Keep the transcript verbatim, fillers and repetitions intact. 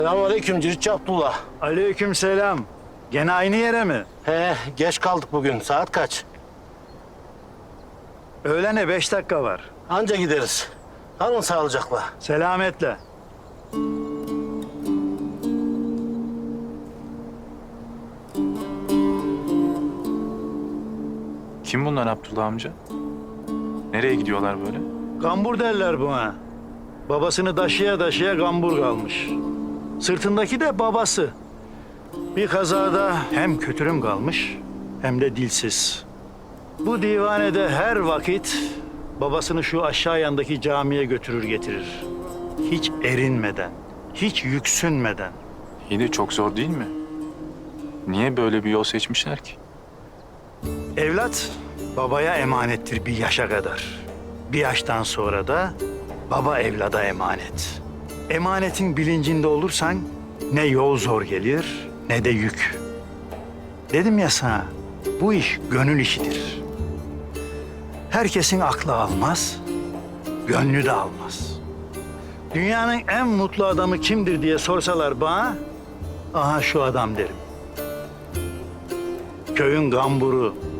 Selamünaleyküm Ciritçi Abdullah. Aleykümselam. Gene aynı yere mi? He, geç kaldık bugün. Saat kaç? Öğlene beş dakika var. Anca gideriz. Kalın sağlıcakla. Selametle. Kim bunlar Abdullah amca? Nereye gidiyorlar böyle? Gambur derler buna. Babasını taşıya taşıya gambur kalmış. Sırtındaki de babası. Bir kazada hem kötürüm kalmış hem de dilsiz. Bu divanede her vakit babasını şu aşağı yandaki camiye götürür getirir. Hiç erinmeden, hiç yüksünmeden. İyi de çok zor değil mi? Niye böyle bir yol seçmişler ki? Evlat babaya emanettir bir yaşa kadar. Bir yaştan sonra da baba evlada emanet. Emanetin bilincinde olursan ne yol zor gelir ne de yük. Dedim ya sana, bu iş gönül işidir. Herkesin aklı almaz, gönlü de almaz. Dünyanın en mutlu adamı kimdir diye sorsalar bana, aha şu adam derim. Köyün gamburu,